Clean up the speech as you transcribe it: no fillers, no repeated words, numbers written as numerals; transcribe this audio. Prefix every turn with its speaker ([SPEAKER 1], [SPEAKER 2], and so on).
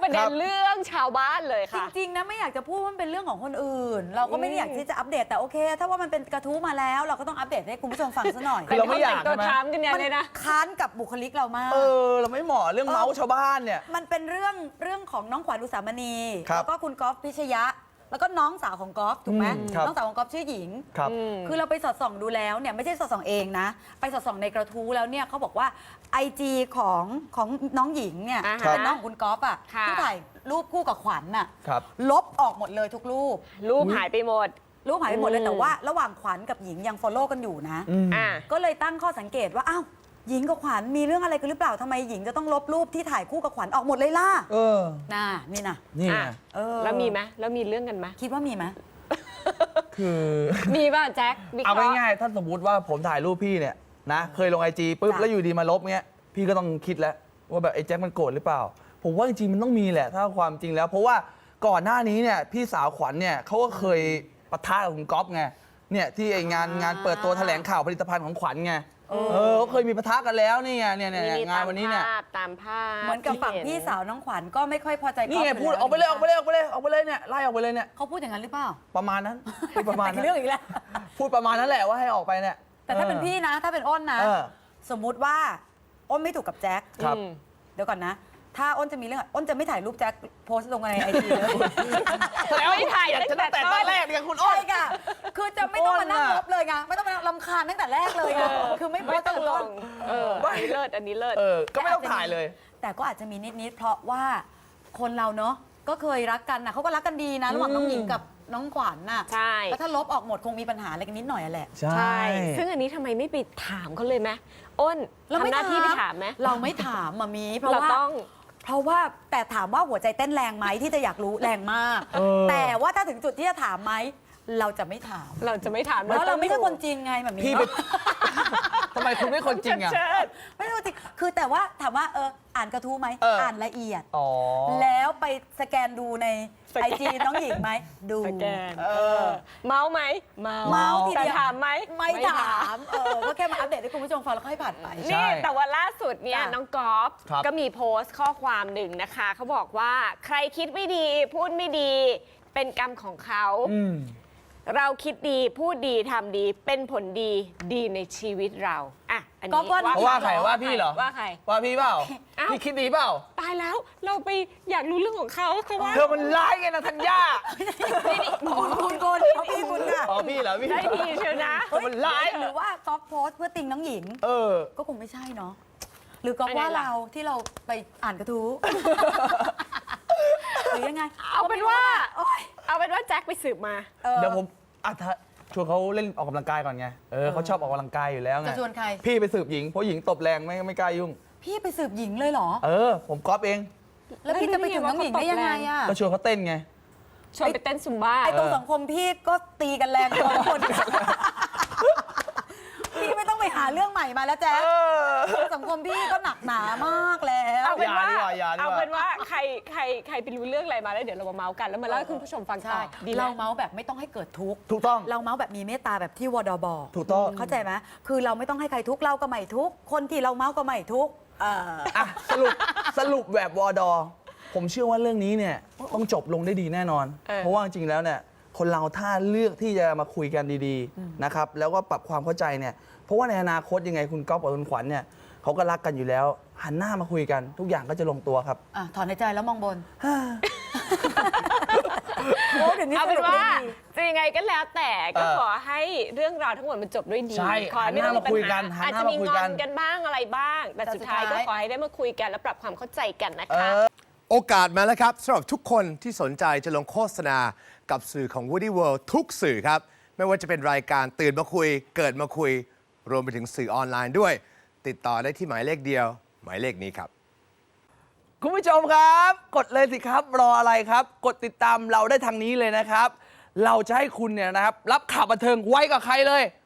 [SPEAKER 1] ประเด็นเรื่องชาวบ้านเลยค่ะ
[SPEAKER 2] จริงๆนะไม่อยากจะพูดว่ามันเป็นเรื่องของคนอื่น เราก็ไม่ได้อยากที่จะอัปเดตแต่โอเค ถ้าว่ามันเป็นกระทู้มาแล้วเราก็ต้องอัปเดตให้คุณผู้ชมฟังซะหน่อย
[SPEAKER 3] คือเราไม่อยาก
[SPEAKER 1] ตัว
[SPEAKER 3] ใช่ไหม
[SPEAKER 1] ถามกันเนี่ยเลยนะ
[SPEAKER 2] ค้านกับบุคลิกเรามาก
[SPEAKER 3] เราไม่เหมาะเรื่องเมาส์ชาวบ้านเนี่ย
[SPEAKER 2] มันเป็นเรื่องของน้องขวัญอุสามณี
[SPEAKER 3] ครับ
[SPEAKER 2] แล้วก็คุณก๊อฟพิชยะ แล้วก็น้องสาวของก๊อฟถูกไหม
[SPEAKER 3] ครับ
[SPEAKER 2] น้องสาวของก๊อฟชื่อหญิง
[SPEAKER 3] ครับ
[SPEAKER 2] คือเราไปสอดส่องดูแล้วเนี่ยไม่ใช่สอดส่องเองนะ ไปสอดส่องในกระทู้แล้วเนี่ยเขาบอกว่า IG ของน้องหญิงเนี่ย
[SPEAKER 1] อ่าฮะ
[SPEAKER 2] เป็นน้องของคุณก๊อฟอ่ะ
[SPEAKER 1] ค่ะ
[SPEAKER 2] ที่ถ่ายรูปคู่กับขวัญน่ะ
[SPEAKER 3] ครับ
[SPEAKER 2] ลบออกหมดเลยทุกรูป
[SPEAKER 1] รูปหายไปหมด
[SPEAKER 2] รูปหายไปหมดเลยแต่ว่าระหว่างขวัญกับหญิงยัง follow กันอยู่นะ
[SPEAKER 1] อ่า
[SPEAKER 2] ก็เลยตั้งข้อสังเกตว่าอ้าวหญิงกับขวัญมีเรื่องอะไรกันหรือเปล่าทำไมหญิงจะต้องลบรูปที่ถ่ายคู่กับขวัญออกหมดเลยล่ะน่ะนี่นะ
[SPEAKER 3] นี่ไง
[SPEAKER 1] แล้วมีไหมแล้วมีเรื่องกันไหม
[SPEAKER 2] คิดว่ามีไหม
[SPEAKER 3] คือ
[SPEAKER 1] มีป่ะแจ็ควิเค
[SPEAKER 3] เอา
[SPEAKER 1] ราะห์
[SPEAKER 3] ง่ายๆถ้าสมมติว่าผมถ่ายรูปพี่เนี่ยนะเคยลงIGปุ๊บ
[SPEAKER 2] จ้ะ
[SPEAKER 3] แล้วอยู่ดีมาลบเงี้ยพี่ก็ต้องคิดแล้วว่าแบบไอ้แจ็คมันโกรธหรือเปล่า ผมว่าจริงๆมันต้องมีแหละถ้าความจริงแล้ว เพราะว่าก่อนหน้านี้เนี่ยพี่สาวขวัญเนี่ยเขาก็เคยปะทะกับคุณก๊อฟไงเนี่ยที่ไองานเปิดตัวแถลงข่าวผลิตภัณฑ์ของขวัญไงเขาเคยมีปะทะกันแล้วนี่ไงเนี่ยงานวันนี้เนี่ย
[SPEAKER 1] ตามภาพ
[SPEAKER 2] เหมือนกับฝั่ง
[SPEAKER 1] ที่
[SPEAKER 2] พี่
[SPEAKER 1] เห็น
[SPEAKER 2] สาวน้องขวัญก็ไม่ค่อยพอใจ
[SPEAKER 3] นี่ไง
[SPEAKER 2] ก๊ฟ
[SPEAKER 3] พูด
[SPEAKER 2] ยู่
[SPEAKER 3] ออกไปเลยออกไปเลยออกไปเลยออกไปเลยเนี่ยไล่ออกไปเลยเนี่ย
[SPEAKER 2] เขาพูดอย่างนั้นหรือเปล่า
[SPEAKER 3] ประมาณนั้นพูดประมาณนั้น
[SPEAKER 2] เรื่องอีกแล้ว
[SPEAKER 3] พูดประมาณนั้นแหละว่าให้ออกไปเนี่ย
[SPEAKER 2] แต่ถ้าเป็นพี่นะ ถ้าเป็นอ้นนะ
[SPEAKER 3] เออ
[SPEAKER 2] สมมุติว่าอ้นไม่ถูกกับแจ็ค
[SPEAKER 3] ครับ
[SPEAKER 2] เดี๋ยวก่อนนะ ถ้าอ้นจะมีเรื่องอ้นจะไม่ถ่ายรูปแจ็คโพสต์ลงในไอจีเลย
[SPEAKER 1] แล้วไม่ถ่าย
[SPEAKER 3] อยากจะ
[SPEAKER 1] ตั้
[SPEAKER 3] ตั้
[SPEAKER 1] ง
[SPEAKER 3] ง
[SPEAKER 1] แต่
[SPEAKER 3] แต่ตอน น
[SPEAKER 1] ต้แร
[SPEAKER 3] แร
[SPEAKER 1] ก
[SPEAKER 3] กเนี่ยคุณอ้
[SPEAKER 2] ใช่
[SPEAKER 3] น
[SPEAKER 2] ค่ะ คือจะไม่ต้องมานั่ง
[SPEAKER 3] อ้น
[SPEAKER 2] ลล
[SPEAKER 3] น่ะ
[SPEAKER 2] บเลยไงไม่ต้องมารำคาญตั้งแต่แรกเลยไงคือไม่โพ
[SPEAKER 1] ไม่
[SPEAKER 2] สต์
[SPEAKER 1] ต้องล
[SPEAKER 2] ต้น
[SPEAKER 1] งอันนี้เลิศอันนี้เลิศ
[SPEAKER 3] ก็ไม่ต้องถ่ายเลย
[SPEAKER 2] แต่ก็อาจจะมีนิดๆเพราะว่าคนเราเนาะก็เคยรักกันนะเขาก็รักกันดีนะระหว่างน้องหญิงกับน้องขวัญน่ะ
[SPEAKER 1] ใช่
[SPEAKER 2] แล้วถ้าลบออกหมดคงมีปัญหาอะไรกันนิดหน่อยอะแหละ
[SPEAKER 1] ใช่ ซึ่งอันนี้ทำไมไม่ไปถามเขาเลยไหมอ้นทำหน้าที่ไปถามไหม
[SPEAKER 2] เราไม่ถามมามีเพราะ
[SPEAKER 1] เรา
[SPEAKER 2] ว่า
[SPEAKER 1] ต้อง
[SPEAKER 2] เพราะว่าแต่ถามว่าหัวใจเต้นแรงไหมที่จะอยากรู้แรงมาก แต่ว่าถ้าถึงจุดที่จะถามไหมเราจะไม่ถาม
[SPEAKER 1] เราจะไม่ถาม
[SPEAKER 2] เพราะเราไม่ใช่คนจริงไงแบบนี้
[SPEAKER 3] พี่ไป ทำไมคุณไม่คนจริงอ่ะ
[SPEAKER 1] เชิด
[SPEAKER 2] ไม่ใช่คนจริงคือแต่ว่าถามว่าอ่านกระทู้ไหม
[SPEAKER 3] อ่าน
[SPEAKER 2] ละเอียด
[SPEAKER 3] อ๋อ
[SPEAKER 2] แล้วไปสแกนดูใน
[SPEAKER 1] สแกน
[SPEAKER 2] ไอจีน้องหญิงไหมดู
[SPEAKER 1] สแกนเมาไหมเมา
[SPEAKER 2] เมาทีเดียว
[SPEAKER 1] แต่ถามไหม
[SPEAKER 2] ไม่ถามก็แค่มาอัปเดตให้คุณผู้ชมฟังแล้วค่อยผ่านไป
[SPEAKER 3] ใช่
[SPEAKER 1] นี่แต่ว่าล่าสุดเนี่ย
[SPEAKER 2] จ้ะ
[SPEAKER 1] น้องกอล์ฟ
[SPEAKER 3] ครับ
[SPEAKER 1] ก็มีโพสต์ข้อความหนึ่งนะคะเขาบอกว่าใครคิดไม่ดีพูดไม่ดีเป็นกรรมของเขา เราคิดดีพูดดีทำดีเป็นผลดีดีในชีวิตเราอ่ะอัน
[SPEAKER 2] ก็
[SPEAKER 1] นี้
[SPEAKER 2] ว่า
[SPEAKER 3] ว่าใครว่าพี่เหรอ
[SPEAKER 1] ว่าใคร
[SPEAKER 3] ว่าพี่เปล่า
[SPEAKER 1] เอ้า
[SPEAKER 3] พี่คิดดีเปล่า
[SPEAKER 1] ตายแล้วเราไปอยากรู้เรื่องของเขาเขาว่า
[SPEAKER 3] เธอมันร้ายไงนะธัญญา
[SPEAKER 2] คุณเอาพี่คุณค่ะ
[SPEAKER 3] อ๋อพี่เหรอพี่
[SPEAKER 1] ได้ดีเชียวนะ
[SPEAKER 3] เธอมันร้าย
[SPEAKER 2] หรือว่าก๊อฟโพสต์เพื่อติงน้องหญิง ก็คงไม่ใช่เนาะหรือก๊อฟว่าเราที่เราไปอ่านกระทู้ หรือยังไง
[SPEAKER 1] เอาเป็นว่า
[SPEAKER 2] โอ๊ย
[SPEAKER 1] เอาเป็นว่าแจ็คไปสืบมา
[SPEAKER 3] เดี๋ยวผมถ้าชวนเขาเล่นออกกำลังกายก่อนไงเขาชอบออกกำลังกายอยู่แล้วไง
[SPEAKER 2] จะชวนใคร
[SPEAKER 3] พี่ไปสืบหญิงเพราะหญิงตบแรงไม่กล้ายุ่ง
[SPEAKER 2] พี่ไปสืบหญิงเลยเหรอ
[SPEAKER 3] ผมก๊อปเอง
[SPEAKER 2] แล้วพี่จะไปถึงน้องหญิงได้ยังไงอะ
[SPEAKER 3] ก็ชวนเขาเต้นไง
[SPEAKER 1] ชวนไปเต้นซุมบ้า
[SPEAKER 2] ไอ้ตรงสังคมพี่ก็ตีกันแรงกว่าคน พี่ไม่ต้องไปหาเรื่องใหม่มาแล้วแจ๊คสังคมพี่ก็หนักหนามากแล้ว
[SPEAKER 1] เอาเป็นว่า
[SPEAKER 3] อย่าดีกว่า
[SPEAKER 1] เอาเป็นว่าใครไปรู้เรื่องอะไรมาแล้วเดี๋ยวเรามาเมาส์กันแล้วมาเล่าให้คุณผู้ชมฟังต่
[SPEAKER 2] ใช่
[SPEAKER 1] อดีไหม
[SPEAKER 2] เราเมาส์แบบไม่ต้องให้เกิดทุกข์
[SPEAKER 3] ถูกต้อง
[SPEAKER 2] เราเมาส์แบบมีเมตตาแบบที่วดบอก
[SPEAKER 3] ถูกต้อง
[SPEAKER 2] เข้าใจไหมคือเราไม่ต้องให้ใครทุกข์เราก็ไม่ทุกข์คนที่เราเมาส์ก็ไม่ทุกข์
[SPEAKER 3] สรุปแบบวอดอผมเชื่อว่าเรื่องนี้เนี่ยต้องจบลงได้ดีแน่นอน เพราะว่าจริงๆแล้วเนี่ยคนเราถ้าเลือกที่จะมาคุยกันดีๆนะครับแล้วก็ปรับความเข้าใจเนี่ยเพราะว่าในอนาคตยังไงคุณก๊อฟกับคุณขวัญเนี่ยเขาก็รักกันอยู่แล้ว หันหน้ามาคุยกันทุกอย่างก็จะลงตัวครับ
[SPEAKER 2] ถอนในใจแล้วมองบน โอ้เดี๋ยวนี้
[SPEAKER 1] เอา
[SPEAKER 2] ส
[SPEAKER 1] เป็น
[SPEAKER 2] รุป
[SPEAKER 1] ว่า
[SPEAKER 2] ได้ดี
[SPEAKER 1] จะยังไงก็แล้วแต่ก็ขอให้เรื่องราวทั้งหมดมันจบด้วยดี
[SPEAKER 3] ใช่
[SPEAKER 1] ขอให้ไม่ต้องมีปัญ
[SPEAKER 3] หันหน้ามาคุยกั
[SPEAKER 1] หาน
[SPEAKER 3] หัน
[SPEAKER 1] อาจ
[SPEAKER 3] หน้า
[SPEAKER 1] จะมี
[SPEAKER 3] มาคุย
[SPEAKER 1] ง
[SPEAKER 3] กั
[SPEAKER 1] อน นกันบ้างอะไรบ้าง แต่
[SPEAKER 2] แต่
[SPEAKER 1] สุดท้าย
[SPEAKER 2] สุด
[SPEAKER 1] ก็
[SPEAKER 2] ท้าย
[SPEAKER 1] ขอให้ได้มาคุยกันและปรับความเข้าใจกันนะคะ
[SPEAKER 4] โอกาสมาแล้วครับสำหรับทุกคนที่สนใจจะลงโฆษณากับสื่อของ Woody World ทุกสื่อครับ ไม่ว่าจะเป็นรายการตื่นมาคุย เกิดมาคุย รวมไปถึงสื่อออนไลน์ด้วย ติดต่อได้ที่หมายเลขเดียว หมายเลขนี้ครับ
[SPEAKER 3] คุณผู้ชมครับ กดเลยสิครับรออะไรครับ กดติดตามเราได้ทางนี้เลยนะครับ เราจะให้คุณเนี่ยนะครับรับข่าวบันเทิงไว้กับใครเลย